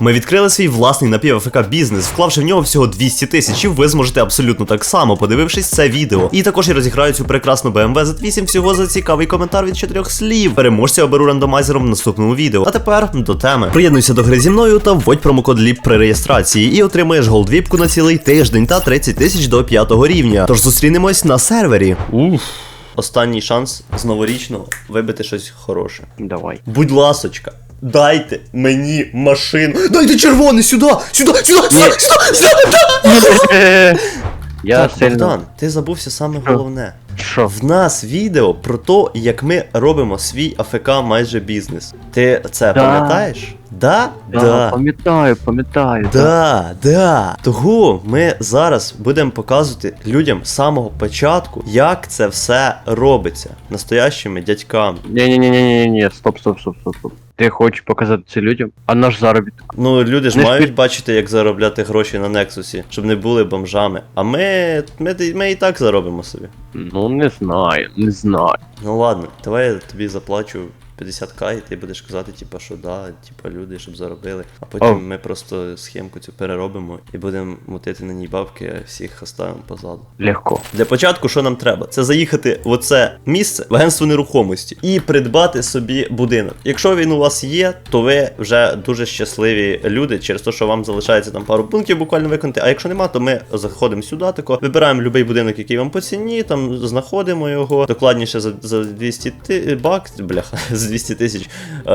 Ми відкрили свій власний напів-АФК бізнес, вклавши в нього всього 200 тисяч, і ви зможете абсолютно так само, подивившись це відео. І також я розіграю цю прекрасну BMW Z8 всього за цікавий коментар від 4 слів. Переможця оберу рандомайзером в наступному відео. А тепер до теми. Приєднуйся до гри зі мною та вводь промокод LIP при реєстрації і отримаєш голд-віпку на цілий тиждень та 30 тисяч до 5-го рівня. Тож зустрінемось на сервері. Останній шанс з новорічного вибити щось хороше. Давай. Будь ласочка, дайте мені машину. Дайте червоний сюди! Сюди! Я Так, сильно... Богдан, ти забувся саме головне. Що? В нас відео про те, як ми робимо свій АФК майже бізнес. Ти це пам'ятаєш? Да? Пам'ятаю. Да. Того ми зараз будемо показувати людям з самого початку, як це все робиться. Настоящими дядьками. Ні, стоп. Ти хочеш показати це людям? А наш заробіток? Ну, люди ж Не мають бачити, як заробляти гроші на Нексусі, щоб не були бомжами. А ми і так заробимо собі. Ну, не знаю. Ну ладно, давай я тобі заплачу 50к, і ти будеш казати, типа, що да, типа люди, щоб заробили. А потім ми просто схемку цю переробимо і будемо мутити на ній бабки, а всіх оставимо позаду. Легко. Для початку, що нам треба? Це заїхати в оце місце, в агентство нерухомості, і придбати собі будинок. Якщо він у вас є, то ви вже дуже щасливі люди, через те, що вам залишається там пару пунктів буквально виконати. А якщо нема, то ми заходимо сюди, тако, вибираємо будь-який будинок, який вам по ціні, там знаходимо його, докладніше за 200 баксів, бляха, з 200 тисяч,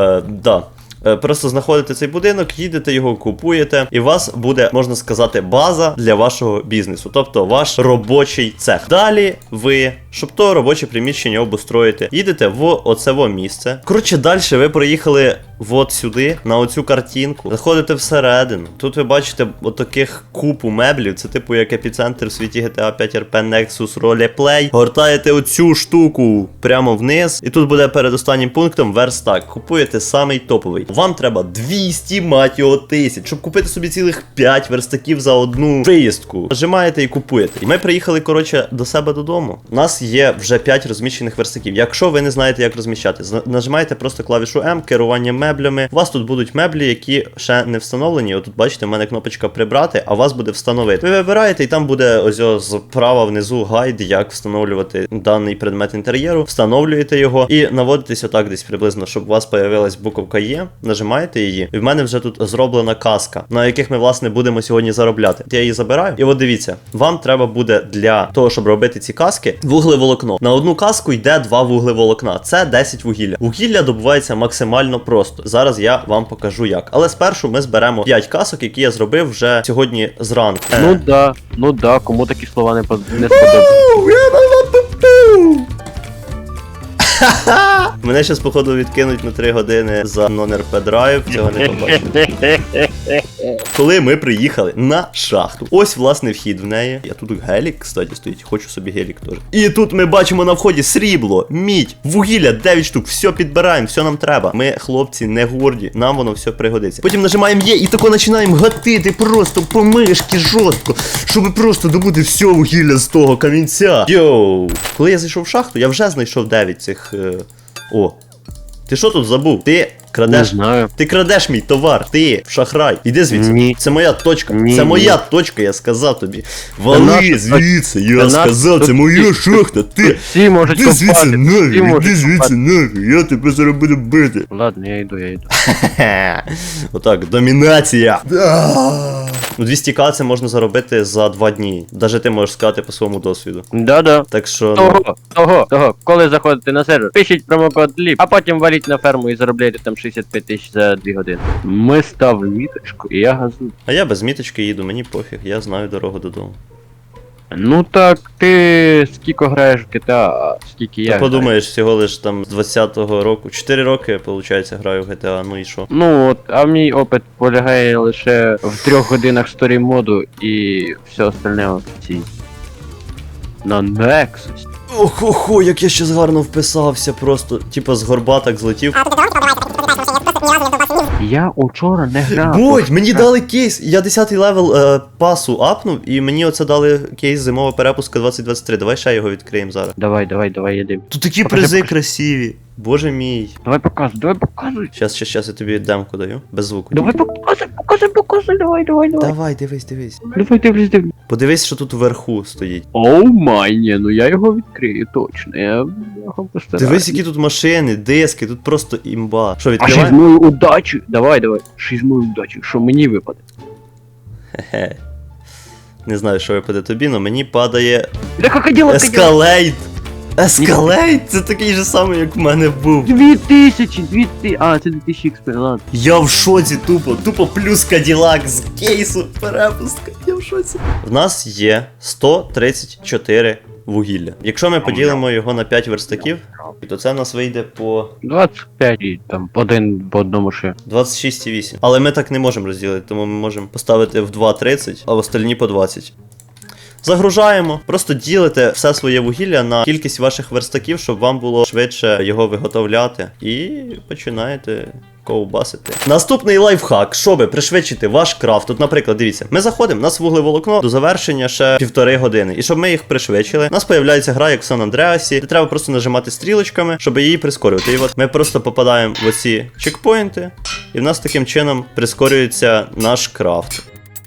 да. Просто знаходите цей будинок, їдете його, купуєте, і у вас буде, можна сказати, база для вашого бізнесу, тобто ваш робочий цех. Далі ви, щоб то робоче приміщення обустроїти, їдете в оцево місце. Коротше, далі ви проїхали от сюди, на оцю картинку, заходите всередину. Тут ви бачите отаких купу меблів, це типу як епіцентр в світі GTA 5 RP Nexus Roleplay. Гортаєте оцю штуку прямо вниз, і тут буде перед останнім пунктом верстак. Купуєте самий топовий. Вам треба 200, мать його, тисяч, щоб купити собі цілих 5 верстаків за одну виїздку. Нажимаєте і купуєте. І ми приїхали, коротше, до себе додому. У нас є вже 5 розміщених верстаків. Якщо ви не знаєте, як розміщати, нажимаєте просто клавішу М, керування меблями. У вас тут будуть меблі, які ще не встановлені. Отут, бачите, в мене кнопочка прибрати, а у вас буде встановити. Ви вибираєте, і там буде ось справа внизу гайд, як встановлювати даний предмет інтер'єру. Встановлюєте його і наводитесь отак десь приблизно, щоб у вас появилась буковка Є. Нажимаєте її, і в мене вже тут зроблена каска, на яких ми, власне, будемо сьогодні заробляти. Я її забираю. І от дивіться, вам треба буде для того, щоб робити ці каски, вуглеволокно. На одну каску йде 2 вуглеволокна. Це 10 вугілля. Вугілля добувається максимально просто. Зараз я вам покажу як. Але спершу ми зберемо 5 касок, які я зробив вже сьогодні зранку. Ну да, кому такі слова не сподобаються. Мене щас, походу, відкинуть на 3 години за non-RP драйв, цього не побачимо. Коли ми приїхали на шахту, ось, власне, вхід в неї. Я тут гелік, кстати, стоїть, хочу собі гелік теж. І тут ми бачимо на вході срібло, мідь, вугілля, 9 штук, все підбираємо, все нам треба. Ми, хлопці, не горді, нам воно все пригодиться. Потім нажимаємо Є і тако починаємо гатити просто по мишки жорстко, щоб просто добути все вугілля з того камінця. Йоу! Коли я зайшов в шахту, я вже знайшов 9 цих... О, ти що тут забув? Ти крадеш? Не знаю. Ти крадеш мій товар, ти шахрай. Іди звідси. Ні. Це моя точка. Ні, це моя ні. точка, я сказав тобі. Вали звідси, я сказав, це моя шахта. Ти. Всі можуть Іди звідси копати. нафіг, іди звідси нафіг, я тебе зараз буду бити. Ладно, я йду. Отак, домінація. Ну 200к це можна заробити за 2 дні. Даже ти можеш сказати по своєму досвіду. Да. Так що, ну... Того. Коли заходите на сервер, пишіть промокод LIP, а потім валіть на ферму і заробляйте там 65 тисяч за 2 години. Ми ставимо міточку і я газую. А я без міточки їду, мені пофіг, я знаю дорогу додому. Ну так, ти скільки граєш в GTA, а скільки я Ти граю? подумаєш, всього лиш там з 20-го року. 4 роки, виходить, граю в GTA, ну і що? Ну от, а мій опит полягає лише в 3 годинах сторі моду і все остальне в цій. На Nexus. Охо, як я щас гарно вписався просто. Типа з горба так злетів. Я учора не грав. Будь, мені дали кейс. Я 10-й левел пасу апнув, і мені оце дали кейс зимова перепуска 2023. Давай ще його відкриємо зараз. Давай, їдемо. Тут такі Покажи, призи покажи. красиві. Боже мій. Давай показуй. Щас, я тобі демку даю. Без звуку. Давай показуй, давай. Давай, дивись. Давай, дивлюсь. Подивись, що тут вверху стоїть. Оу май, ні, ну я його відкрию, точно. Я його постараюсь. Дивись, які тут машини, диски, тут просто імба. Що, А ще з відкриваємо? мою удачу. Давай. Ще з мою удачу. Що мені випаде? Хе-хе. Не знаю, що випаде тобі, але мені падає Да крокодила. Ескалейт. Ескалейт? Це такий же самий, як в мене був. 2000. А, це 2000 експеримент. Я в шоці тупо плюс Каділак з кейсу перепустка. Я в шоці. В нас є 134 вугілля. Якщо ми поділимо його на 5 верстаків, то це в нас вийде по 25 і там один по одному ще. 26,8. Але ми так не можемо розділити, тому ми можемо поставити в 2,30, а в остальні по 20. Загружаємо, просто ділите все своє вугілля на кількість ваших верстаків, щоб вам було швидше його виготовляти. І починаєте ковбасити. Наступний лайфхак, щоб пришвидшити ваш крафт. Тут, наприклад, дивіться, ми заходимо, у нас вуглеволокно до завершення ще 1,5 години. І щоб ми їх пришвидшили, у нас появляється гра, як в Сан Андреасі, де треба просто нажимати стрілочками, щоб її прискорювати. І от ми просто попадаємо в оці чекпоінти, і в нас таким чином прискорюється наш крафт.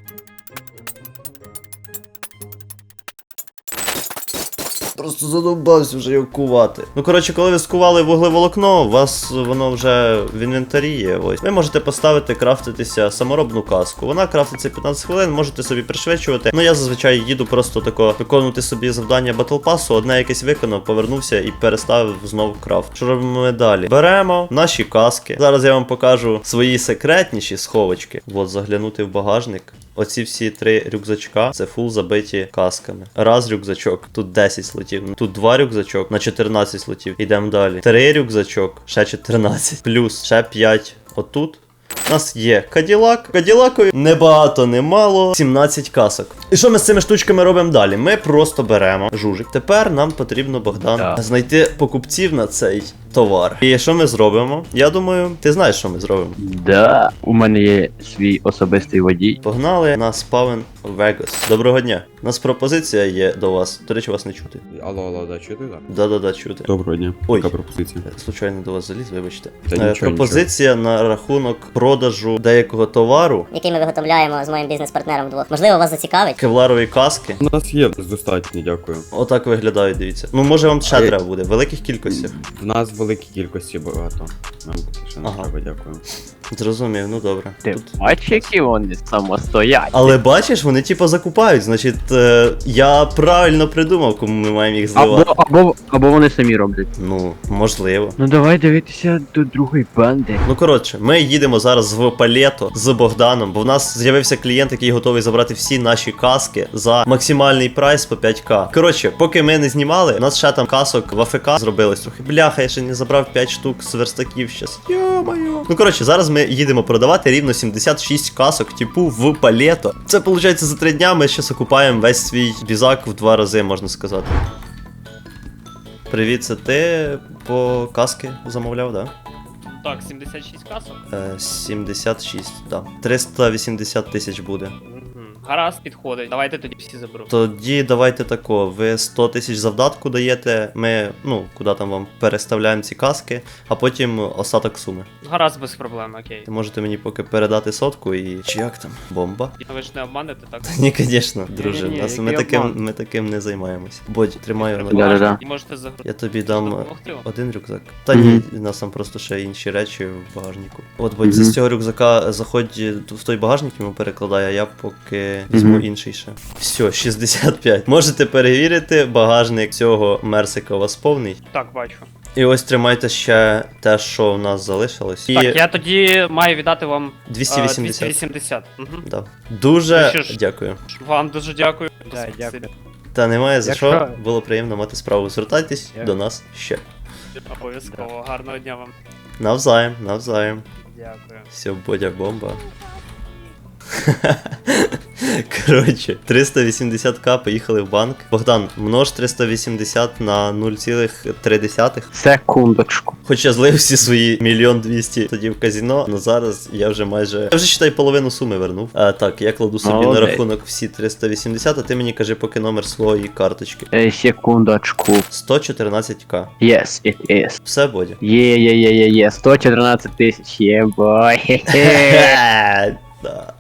Просто задовбався вже його кувати. Ну, коротше, коли ви скували вуглеволокно, у вас воно вже в інвентарі є. Ось. Ви можете поставити, крафтитися саморобну каску. Вона крафтиться 15 хвилин, можете собі пришвидшувати. Ну, я зазвичай їду просто тако виконувати собі завдання Battle Pass, одне якесь виконав, повернувся і переставив знову крафт. Що робимо ми далі? Беремо наші каски. Зараз я вам покажу свої секретніші сховочки. От, заглянути в багажник. Оці всі 3 рюкзачка, це фул забиті касками. Раз рюкзачок, тут 10 слотів. Тут 2 рюкзачок на 14 слотів. Йдемо далі. 3 рюкзачок, ще 14. Плюс ще 5 отут. У нас є Каділак. Каділакові небагато, немало. 17 касок. І що ми з цими штучками робимо далі? Ми просто беремо жужик. Тепер нам потрібно, Богдан, знайти покупців на цей товар. І що ми зробимо? Я думаю, ти знаєш, що ми зробимо. Да, у мене є свій особистий водій. Погнали на спавен Вегас. Доброго дня. У нас пропозиція є до вас. До речі, вас не чути. Алло, да, чути, так? Да-да-да, чути. Доброго дня. Ой. Яка пропозиція? Случайно до вас заліз, вибачте. Та нічого, Пропозиція на рахунок продажу деякого товару. який ми виготовляємо з моїм бізнес-партнером вдвох. Можливо, вас зацікавить. Кевларові каски. У нас є достатньо, дякую. Отак виглядають, дивіться. Ну, може вам ще треба буде, в великих кількостях. В нас великій кількості багато. Нам ще не Ага. треба, дякую. Зрозумів, ну добре. Ти Тут... бачиш, які вони самостоять. Але бачиш, вони типу закупають, значить, я правильно придумав, кому ми маємо їх зливати. Або вони самі роблять. Ну, можливо. Ну давай дивитися до другої банди. Ну коротше, ми їдемо зараз в Палето з Богданом, бо в нас з'явився клієнт, який готовий забрати всі наші каски за максимальний прайс по 5к. Коротше, поки ми не знімали, у нас ще там касок в АФК зробилось трохи. Бляха, я ще не забрав 5 штук з верстаків щас. Йо-моє. Ну коротше, зараз ми їдемо продавати рівно 76 касок, типу, в Палето. Це виходить за 3 дня ми ще окупаємо весь свій бізак в 2 рази, можна сказати. Привіт, це ти по каски замовляв, да? Так, 76 касок. 76, да. 380 тисяч буде. Гаразд, підходить. Давайте тоді всі заберу. Тоді давайте тако, ви 100 тисяч завдатку даєте, ми, ну, куди там вам переставляємо ці каски, а потім остаток суми. Гаразд, без проблем, окей. Ти можете мені поки передати сотку і... Чи як там? Бомба? Ви ж не обманете, так? Ні, звісно, друже, Ні-ні-ні, нас, який обман? ми таким не займаємось. Бодь, тримаю на Да-да-да. І можете загрузити. Я тобі дам Допомогти вам? один рюкзак. Та ні, у нас там просто ще інші речі в багажнику. От, Бодь, з цього рюкзака заходь в той багажник, йому перекладай, а я поки візьму інший ще. Все, 65. Можете перевірити, багажник цього Мерсика у вас повний. Так, бачу. І ось тримайте ще те, що в нас залишилось. І Так, я тоді маю віддати вам 280. 280. Угу. Да. Дуже Ну що ж. дякую. Вам дуже дякую. Да, дякую. Та немає за що. Якщо- Було приємно мати справу. Звертайтесь Дякую. до нас ще. Обов'язково. Гарного дня вам. Навзаєм, навзаєм. Дякую. Все, Бодя бомба. Коротше, 380к поїхали в банк. Богдан, множ 380 на 0,3. Секундочку. Хоч я злив всі свої 1 200 000 тоді в казіно, але зараз я вже майже. Я вже считай половину суми вернув. Так, я кладу собі на Молодець. рахунок всі 380, а ти мені кажи поки номер своєї карточки. Секундочку. 114к. Yes, it is. Все, Бодя. Є, 114 тисяч, єбой. Да.